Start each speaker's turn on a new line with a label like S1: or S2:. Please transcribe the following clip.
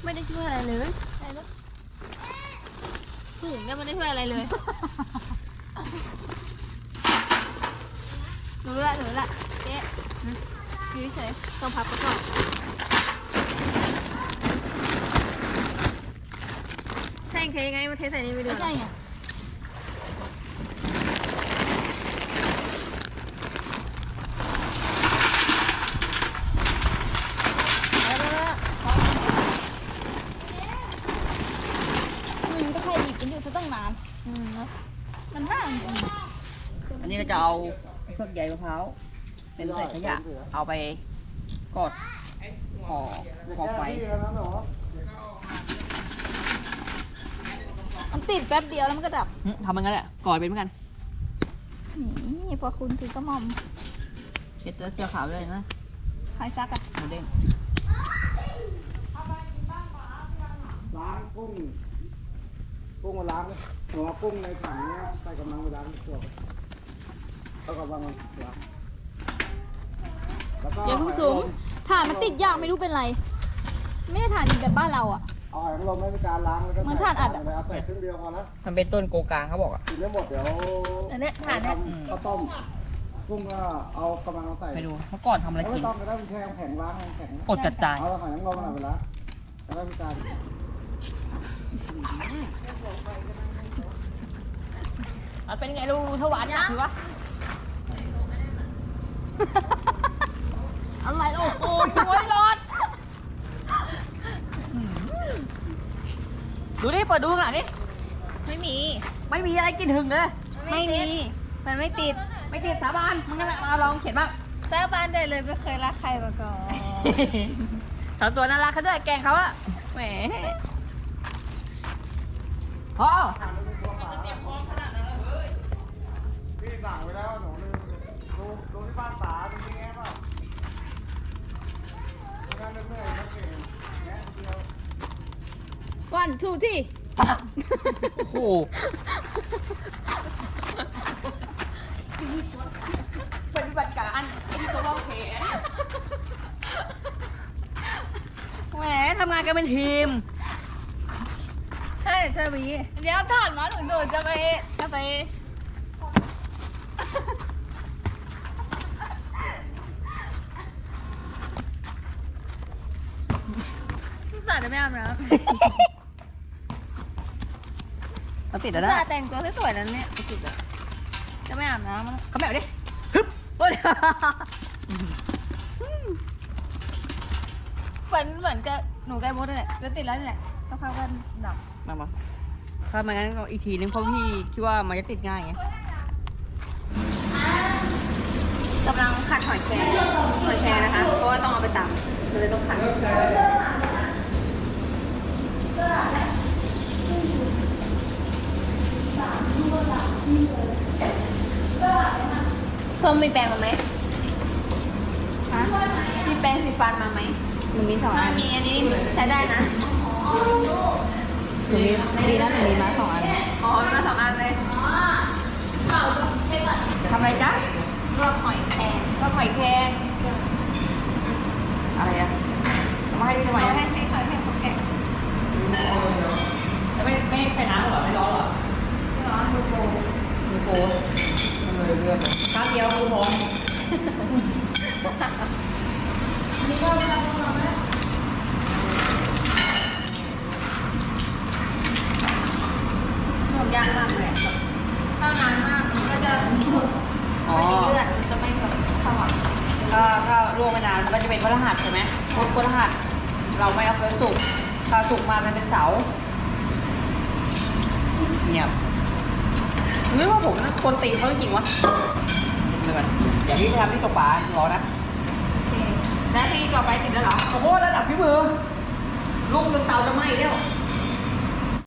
S1: ไม่ได้ช่วยอะไรเลยถุงเนี่ยไม่ได้ช่วยอะไรเลยหนูละเจ๊อยู่เฉยต้องพับไปก่อนแท่งเทยังไงมาเทใส่นี่ไปดูใช่ไงก็ใครหยิบกินอยู่เขาต้องนานมันห่าง
S2: อันนี้ก็จะเอาพวกใยมะพร้าวเป็นใส่ขยะเอาไปกดห่อไฟ
S1: มันติดแป๊บเดียวแล้วมันก็ดับ
S2: ทำมันงั้นแหละก่อยเป็นเหมือนกัน
S1: นี่พอคุณถือกระหม่อม
S2: เช็ดเสื้อขาวเลยนะ
S1: ใครซักอะ
S2: หมูเด้ง
S3: ล้างกุ้งมาล้างหัวกุ้งในถังเนี้ยใส่กำลังไปล้างตัวแล้วก็วางล้าง
S1: อย่าเพิ่งสูงถ่านมันติดยากไม่รู้เป็นไรไม่ได้ถ่านแบบบ้านเราอ่ะ
S3: เอาหอยนางรมไม่มีการล้างแล้วก็
S1: เหมือนถ่านอัดอ่ะ
S3: ใส่ครึ่งเดียวพอแล้ว
S2: มันเป็นต้นโกกางเขาบอกอ่ะ
S3: กินได้หมดเดี๋ยว
S1: อันนี้ถ่านเนี่ย
S3: ข้าวต้มกุ้งก็เอากำลังใส่
S2: ไปดูเมื่อก่อนทำอะไรกิน
S3: ไม่ต้องก็ได้เป็นแข็งล้างแข็ง
S2: อดจัดจาน
S3: เอาหอยนางรมมาไปล้างแล้วก็มีการ
S2: เป็นไงลูกถวานเนี่ยถือวะอะไรโอ้โหช่วยรถดูดิเปิดดูข้างหลังดิ
S1: ไม่มี
S2: อะไรกินหึงเลย
S1: ไม่มีมันไม่ติด
S2: สาบานมึงนั่นแหละมาลองเขียนบ้าง
S1: สาบานได้เลยไม่เคยรักใครมาก่อน
S2: ทำตัวน่ารักเขาด้วยแกงเขาอะแหมพอ
S3: พี่สั่งไว้แล้วหนูดูที่บ้านป๋าจริงๆไงเปล่าไม่งั้นเหนื่อยเก่งแง่เดียว
S1: วันทูที่
S2: โอ้โหปฏิบัติการไอ้ที่ตัวเราแขนแหมทำงานกันเป็นทีม
S1: ใช่บีเดี๋ยวถ่านมาหนูจะไปสาจะไม่อาบน้ำ
S2: เราติดแล้วนะ
S1: แต่งตัวสวยๆนั้นเนี่ยติดจะไม่อาบน้ำ
S2: เขาแบบดิฮึบเห
S1: มือนกับหนูไก่มดเลยแล้วติดแล้วนี่แหละต้องพักกันดับ
S2: มาถ้าไม่งั้นก็อีกทีนึงเพราะพี่คิดว่ามันจะติดง่ายไง
S1: กำลังขัดหอยแครงนะคะเพราะว่าต้องเอาไปตำเลยต้องขัดเพิ่มมีแปรงมาไหมฮะมีแปรงสีฟันมาไหม
S2: มันมี2 อัน
S1: มีอันนี้ใช้ได้นะ
S2: หนูมีนะหนูมีมา2 อัน
S1: อ๋อมีมา2 อันเลย
S2: ทำอะไรจ๊ะ
S1: ลวกหอยแครง
S2: อะไรอะทำมาให้พี่ทำไม
S1: ให้เขาแกะ
S2: ไม่ใส่น้ำหรอไม่ร้อนหรอ
S1: ไม่ร้อนดูโก
S2: เลยเลือกข้าวเดียวคือพร้อม
S1: นี่ก็ทำเราไหมหมดยากมากเลยถ้านานมากมันก็จะเลือดจะไม่แบบสว่าง
S2: ถ้าลวกไม่นานมันก็จะเป็นพฤหัสใช่ไหมพฤหัสเราไม่เอาเกินสุกถ้าสุกมามันเป็นเสาร์เนี่ยนึกว่าผมคนตีเขาจริงวะเดี๋ยวก่อนอย่าพี่ทำที่ตกปลารอนะ
S1: แล้วพี่ต่อไปติดแล้วเหรอ
S2: ขอโทษระดับพี่มือลูกจนเตาจะไหม้แล้ว